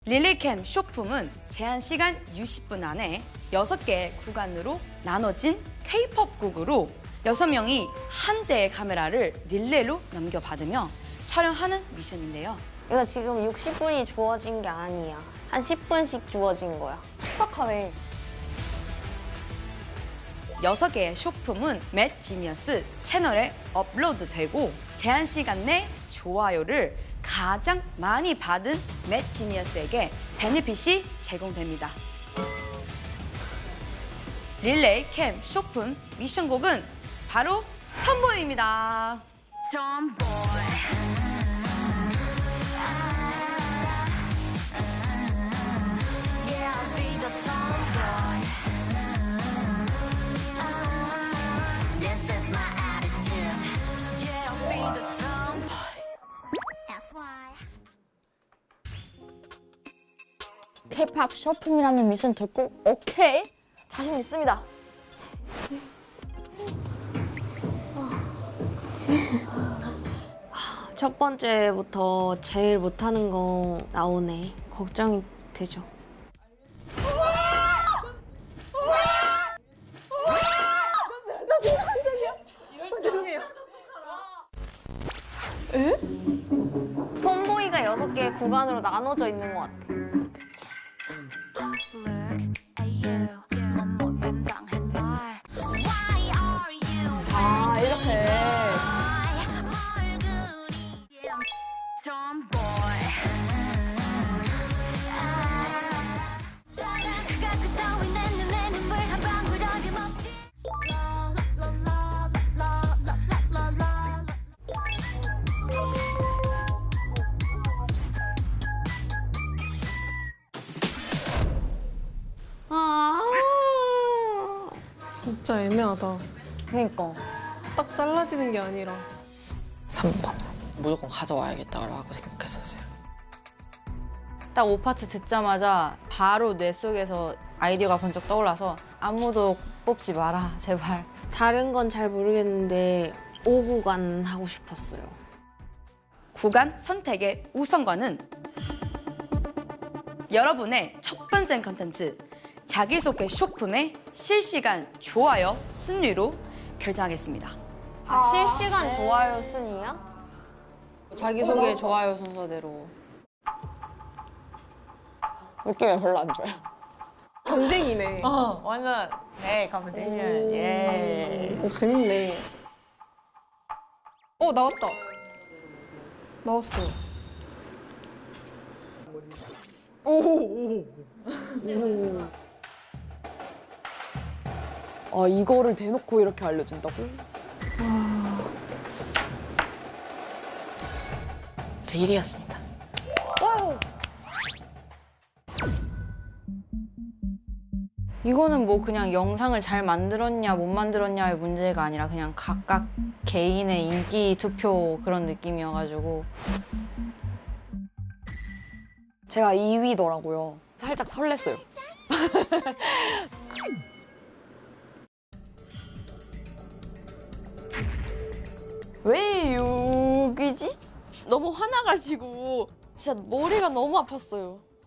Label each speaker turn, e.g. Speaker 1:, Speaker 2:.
Speaker 1: 릴레이캠 쇼품은 제한 시간 60분 안에 6개의 구간으로 나눠진 K-POP 곡으로 6명이 한 대의 카메라를 릴레이로 넘겨받으며 촬영하는 미션인데요.
Speaker 2: 이거 지금 60분이 주어진 게 아니야. 한 10분씩 주어진 거야.
Speaker 3: 촉박하네.
Speaker 1: 6개의 쇼품은 맷 지니어스 채널에 업로드되고 제한 시간 내 좋아요를 가장 많이 받은 맷 지니어스에게 베네핏이 제공됩니다. 릴레이 캠 쇼품 미션곡은 바로 톰보이입니다.
Speaker 3: K-pop 쇼품이라는 미션 듣고 오케이! 자신 있습니다.
Speaker 2: 첫 번째부터 제일 못하는 거 나오네. 걱정이 되죠. 톰보이가 6개의 구간으로 나눠져 있는 것 같아.
Speaker 3: 아, 이렇게.
Speaker 4: 진짜 애매하다.
Speaker 3: 그니까.
Speaker 4: 딱 잘라지는 게 아니라.
Speaker 5: 3번. 무조건 가져와야겠다라고 생각했었어요.
Speaker 6: 딱 5파트 듣자마자 바로 뇌 속에서 아이디어가 번쩍 떠올라서 아무도 뽑지 마라, 제발.
Speaker 2: 다른 건 잘 모르겠는데 5구간 하고 싶었어요.
Speaker 1: 구간 선택의 우선권은 여러분의 첫 번째 컨텐츠 자기소개 쇼품의 실시간 좋아요 순위로 결정하겠습니다.
Speaker 2: 실시간 좋아요 순위야?
Speaker 6: 자기소개 좋아요 순서대로.
Speaker 5: 느낌이 별로 안 좋아요.
Speaker 4: 경쟁이네.
Speaker 6: 완전 네, 컴피티션. 예.
Speaker 4: 오, 재밌네. 나왔다. 나왔어.
Speaker 5: 아, 이거를 대놓고 이렇게 알려준다고? 제 1위였습니다.
Speaker 6: 이거는 뭐 그냥 영상을 잘 만들었냐 못 만들었냐의 문제가 아니라 그냥 각각 개인의 인기 투표 그런 느낌이어가지고.
Speaker 5: 제가 2위더라고요. 살짝 설렜어요.
Speaker 3: 왜 6이지? 너무 화나가지고 진짜 머리가 너무 아팠어요.